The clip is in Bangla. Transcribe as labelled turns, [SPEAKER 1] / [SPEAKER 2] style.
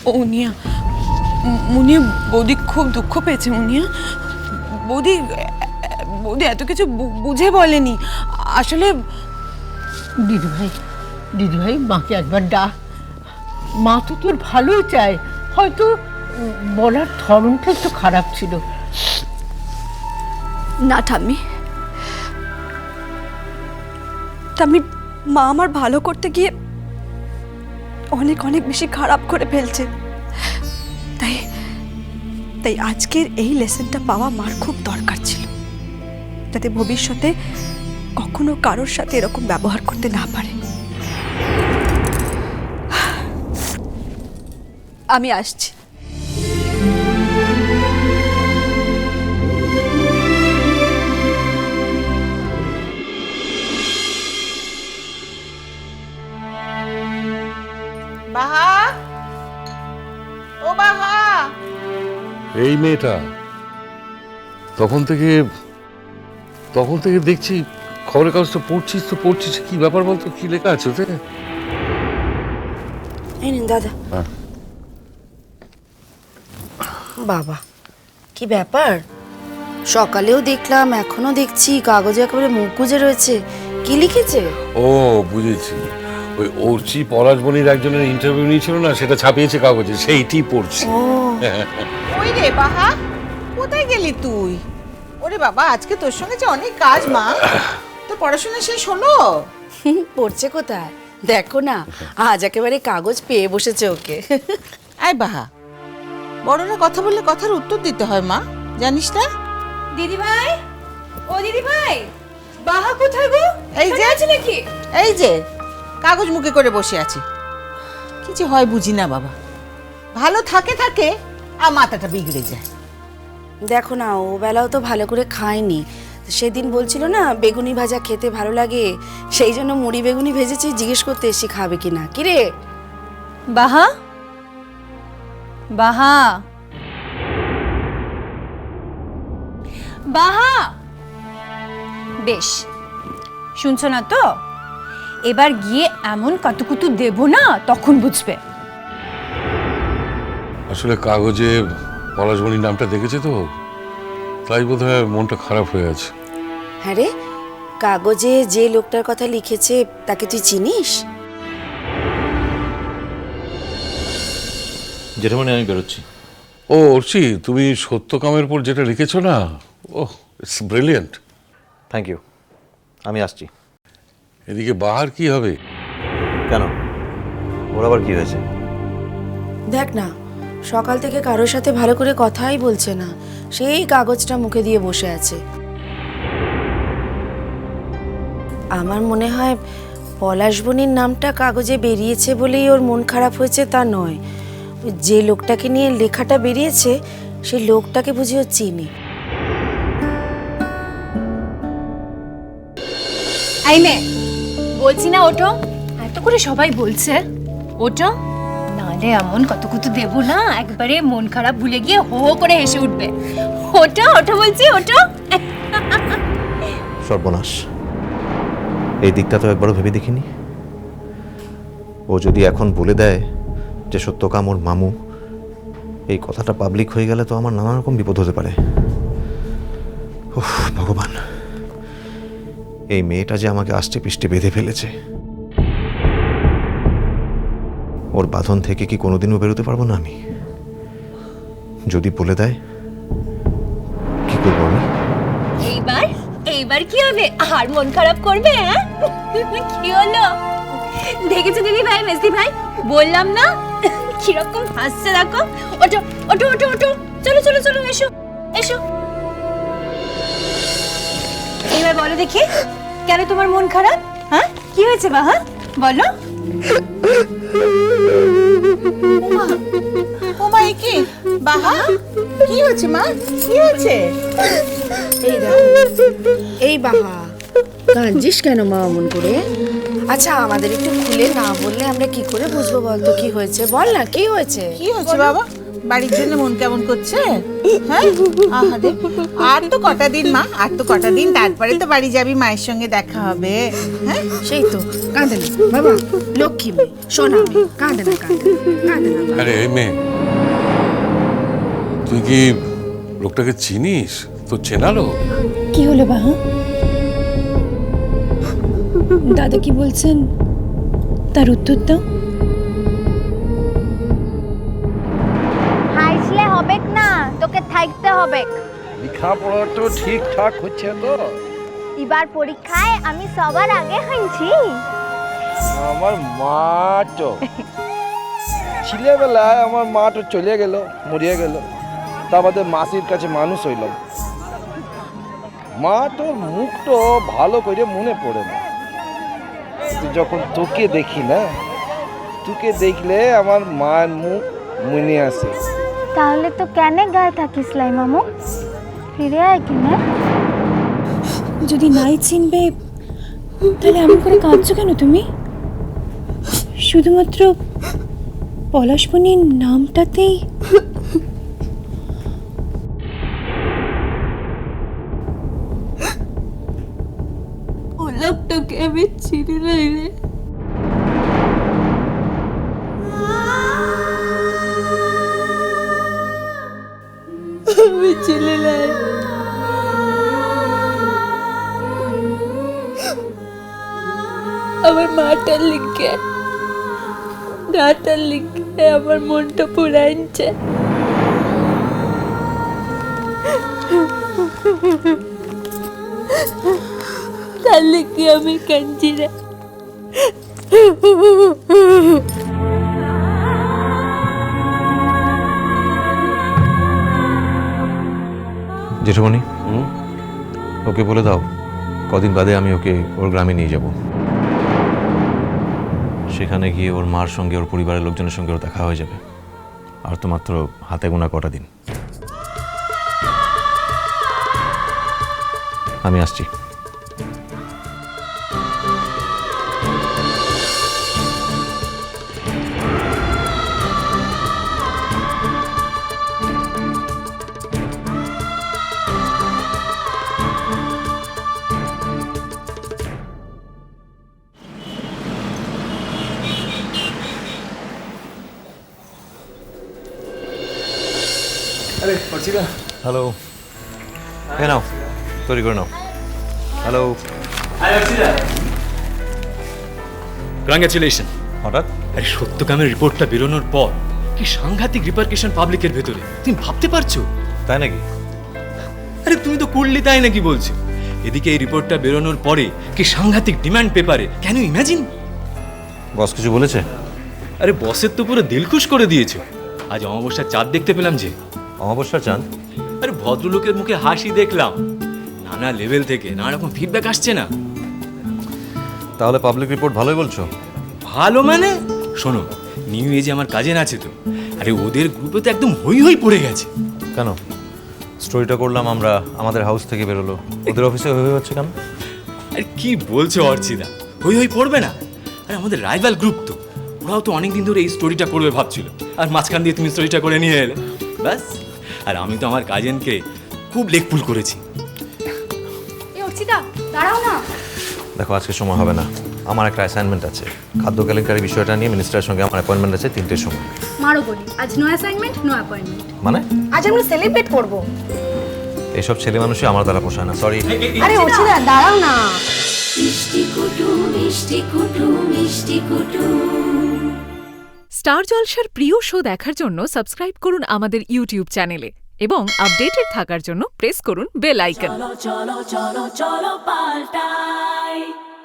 [SPEAKER 1] মুনিয়া, মুনিয়া বৌদি খুব দুঃখ পেয়েছে। মুনিয়া বৌদি বৌদি এত কিছু বুঝে বলেনি আসলে।
[SPEAKER 2] দিদিভাই মাকে একবার ডাক। মা তো তোর ভালোই চায়, হয়তো বলার ধরনটা একটু খারাপ ছিল।
[SPEAKER 3] না ঠাম্মি, ঠাম্মি মা আমার ভালো করতে গিয়ে অনেক অনেক বেশি খারাপ করে ফেলছে। তাই তাই আজকের এই লেসনটা পাওয়া মার খুব দরকার ছিল, যাতে ভবিষ্যতে কখনো কারোর সাথে এরকম ব্যবহার করতে না পারে। আমি আসছি।
[SPEAKER 4] বাহা, ও বাহা।
[SPEAKER 5] এই মেয়েটা তখন থেকে দেখছি খবরের কাগজটা পড়ছিস কি ব্যাপার বলতো, কি লেখা আছে ওতে?
[SPEAKER 6] এই নিন দাদা। বাবা, কি ব্যাপার? সকালেও দেখলাম, এখনো দেখছি কাগজে একেবারে মুখ গুজে রয়েছে। কি লিখেছে?
[SPEAKER 5] ও বুঝেছি, ওই অর্চি পলাশবনির একজনের ইন্টারভিউ নিয়েছিল না, সেটা ছাপিয়েছে কাগজে, সেইটি পড়ছি।
[SPEAKER 6] ও
[SPEAKER 4] ওই রে বাহা, কোথায় গেলি তুই? ওরে বাবা, আজকে তোর সঙ্গে যে অনেক কাজ মা। তোর পড়াশোনা শেষ হলো?
[SPEAKER 6] পড়ছে কোথায়, দেখো না, আজ একেবারে কাগজ পেয়ে বসেছে ওকে।
[SPEAKER 4] আয় বাহা, বড়রা কথা বললে কথার উত্তর দিতে হয় মা, জানিস না?
[SPEAKER 3] দিদি ভাই, ও দিদি ভাই, বাহা কোথায় গো?
[SPEAKER 4] এই যে
[SPEAKER 3] আছে নাকি?
[SPEAKER 4] এই যে কাগজ মুখে করে বসে আছে। কি যে হয় বুঝি না বাবা, ভালো থাকে আর মাথাটা বিগড়ে যায়।
[SPEAKER 6] দেখো না, ও বেলাও তো ভালো করে খায়নি। সেদিন বলছিল না বেগুনি ভাজা খেতে ভালো লাগে, সেই জন্য মুড়ি বেগুনি ভেজেছি, জিজ্ঞেস করতে এসে খাবে কিনা। কিরে
[SPEAKER 3] বাহা, বাহা, বাহা, বেশ শুনছো না তো? এবার গিয়ে এমন কতকুতু দেব না, তখন বুঝবে।
[SPEAKER 5] আসলে কাগজে পলাশবনির নামটা দেখেছে তো, তাই বোধহয় মনটা খারাপ হয়ে আছে।
[SPEAKER 6] হ্যাঁ রে, কাগজে যে লোকটার কথা লিখেছে তাকে তুই চিনিস?
[SPEAKER 7] যেটা মানে আমি বেরোচ্ছি।
[SPEAKER 5] ও অর্চি, তুমি সত্যকামের উপর যেটা লিখেছো না, oh it's brilliant.
[SPEAKER 7] Thank you, আমি আসছি।
[SPEAKER 5] এদিকে বাহার কি হবে?
[SPEAKER 7] কেন, ওর আবার কি হয়েছে?
[SPEAKER 6] দেখ না, সকাল থেকে কারোর সাথে ভালো করে কথাই বলছে না, সেই কাগজটা মুখে দিয়ে বসে আছে। আমার মনে হয় পলাশবনির নামটা কাগজে বেরিয়েছে বলেই ওর মন খারাপ হয়েছে, তা নয়। যে লোকটাকে নিয়ে লেখাটা বেরিয়েছে সেই লোকটাকে বুঝি ও চিনি।
[SPEAKER 3] এই মেয়ে, বলছি না ওঠো, এত করে সবাই বলছে ওঠো, নাহলে এমন কতকুতু দেব না, একবারে মন খারাপ ভুলে গিয়ে হো হো করে হেসে উঠবে। ওঠো ওঠো বলছি, ওঠো।
[SPEAKER 7] সর্বনাশ, এই দিকটা তো একবারও ভেবে দেখিনি। ও যদি এখন বলে দেয় যে সত্যকাম ওর মামু, এই কথাটা পাবলিক হয়ে গেলে তো আমার নানা রকম বিপদ হতে পারে। উফ ভগবান, এই মেয়েটা যে আমাকে আষ্টে পিষ্টে বেঁধে ফেলেছে, ওর বাঁধন থেকে কি কোনোদিনও বেরোতে পারবো না আমি? যদি বলে দেয়, কি করবো আমি?
[SPEAKER 3] এইবার কি হবে? আর মন খারাপ করবে? হ্যাঁ, কি হলো? দেখেছো দিদি ভাই, মেসি ভাই, বললাম না কিরকম হাসছে, দেখো। ওঠো ওঠো ওঠো ওঠো, চলো চলো চলো, এসো এসো। এবার বলো দেখি, কেন তোমার মন খারাপ? হ্যাঁ, কি হয়েছে বাহা, বলো।
[SPEAKER 4] ও মা, এ কি বাহা? কি হয়েছে মা, কি হয়েছে?
[SPEAKER 6] এই দেখো, এই বাহা, কাঁদছিস কেন মা অমন করে? আচ্ছা, আমাদের একটু খুলে না বললে আমরা কি করে বুঝবো? বলতো কি হয়েছে, বল না কি হয়েছে।
[SPEAKER 4] কি হয়েছে বাবা? বাড়ির জন্য মন কেমন করছে? হ্যাঁ, আহারে, আর তো কটা দিন মা, আর তো কটা দিন, তারপরে তো বাড়ি যাবি, মায়ের সঙ্গে দেখা হবে। হ্যাঁ,
[SPEAKER 6] সেই তো, কাঁদে না বাবা, লক্ষ্মী মেয়ে, সোনা মেয়ে, কাঁদে না, কাঁদে না।
[SPEAKER 5] আরে এই মেয়ে, তুই কি লোকটাকে চিনিস? তো চেনালো?
[SPEAKER 8] কি হলো বাহা? দাদা কি বলছেন তার উত্তর দাও।
[SPEAKER 9] হাসলে হবে না, তোকে থাকতে হবে।
[SPEAKER 10] লেখাপড়া তো ঠিকঠাক হচ্ছে তো?
[SPEAKER 9] এবার পরীক্ষায় আমি সবার আগে হয়েছি।
[SPEAKER 10] আমার মা তো ছেলেবেলায় আমার মা তো চলে গেল, মরিয়ে গেল, তা বাদে মাসির কাছে মানুষ হইলাম। মা তোর মুখ তো ভালো করে মনে পড়ে না, যখন তোকে দেখি না, তোকে দেখলে আমার মায়ের মুখ মনে আসে।
[SPEAKER 9] তাহলে তো কেন গায়ে থাকিস লাই মামু? ফিরে আয় কিনে।
[SPEAKER 8] যদি নাই চিনবে তাহলে এমন করে কাঁদছো কেন তুমি? শুধুমাত্র পলাশবনির নামটাতেই
[SPEAKER 1] ও লোকটাকে আমি চিনি না রে। আমি চিনি না। আমার মাটার লিখে, গাটার লিখে আমার মনটা পুরাইছে। তার লিখে আমি কাঁদছি রে।
[SPEAKER 7] জেঠুমণি, ওকে বলে দাও কদিন বাদে আমি ওকে ওর গ্রামে নিয়ে যাব। সেখানে গিয়ে ওর মার সঙ্গে, ওর পরিবারের লোকজনের সঙ্গে ওর দেখা হয়ে যাবে। আর তো মাত্র হাতে গোনা কটা দিন। আমি আসছি। হ্যালো, এ নাও, তৈরি করে নাও। Hello,
[SPEAKER 11] congratulation.
[SPEAKER 7] হঠাৎ?
[SPEAKER 11] আরে সত্যকামের রিপোর্টটা বেরোনোর পর কি সাংঘাতিক রিপারকেশন পাবলিকের ভেতরে, তুমি ভাবতে পারছো?
[SPEAKER 7] তাই নাকি?
[SPEAKER 11] আরে তুমি তো করলে তাই নাকি বলছো। এদিকে এই রিপোর্টটা বেরোনোর পরে কি সাংঘাতিক ডিমান্ড পেপারে, ক্যান ইউ ইমাজিন?
[SPEAKER 7] বস কিছু বলেছে?
[SPEAKER 11] আরে বসের তো পুরো দিলখুশ করে দিয়েছে। আজ অমাবস্যার চাঁদ দেখতে পেলাম যে।
[SPEAKER 7] অমাবস্যার চাঁদ?
[SPEAKER 11] আরে ভদ্রলোকের মুখে হাসি দেখলাম, নানা লেভেল থেকে নানা রকম ফিডব্যাক আসছে না।
[SPEAKER 7] তাহলে পাবলিক রিপোর্ট ভালোই বলছো?
[SPEAKER 11] ভালো মানে শোনো, নিউ এজে আমার কাজিন আছে তো, আরে ওদের গ্রুপে তো একদম হই হই পড়ে গেছে।
[SPEAKER 7] কেন? স্টোরিটা করলাম আমরা, আমাদের হাউস থেকে বেরোলো, ওদের অফিসে হই হই হচ্ছে কেন?
[SPEAKER 11] আরে কি বলছো অর্চিদা, হই হই পড়বে না? আরে আমাদের রাইভাল গ্রুপ তো, ওরাও তো অনেকদিন ধরে এই স্টোরিটা করবে ভাবছিল, আর মাঝখান দিয়ে তুমি স্টোরিটা করে নিয়ে এলে, ব্যাস। আর আমি তো আমার কাজিনকে খুব লেকপুল করেছি।
[SPEAKER 3] অর্চিতা দাঁড়াও না।
[SPEAKER 7] দেখো, আজকে সময় হবে না, আমার একটা অ্যাসাইনমেন্ট আছে। খাদ্য কেলেঙ্কারি বিষয়টা নিয়ে মিনিস্টারের সঙ্গে আমার অ্যাপয়েন্টমেন্ট আছে 3টের সময়।
[SPEAKER 3] মারো বলি, আজ নো অ্যাসাইনমেন্ট, নো অ্যাপয়েন্টমেন্ট।
[SPEAKER 7] মানে?
[SPEAKER 3] আজ আমরা সেলিব্রেট করব।
[SPEAKER 7] এইসব ছেলে মানুষই আমার দ্বারা পোষায় না, সরি।
[SPEAKER 3] আরে অর্চিতা দাঁড়াও না।
[SPEAKER 12] স্টার জলসার প্রিয় শো দেখার জন্য সাবস্ক্রাইব করুন আমাদের ইউটিউব চ্যানেলে এবং আপডেটেড থাকার জন্য প্রেস করুন বেল আইকন।
[SPEAKER 13] চলো চলো চলো চলো পাল্টাই।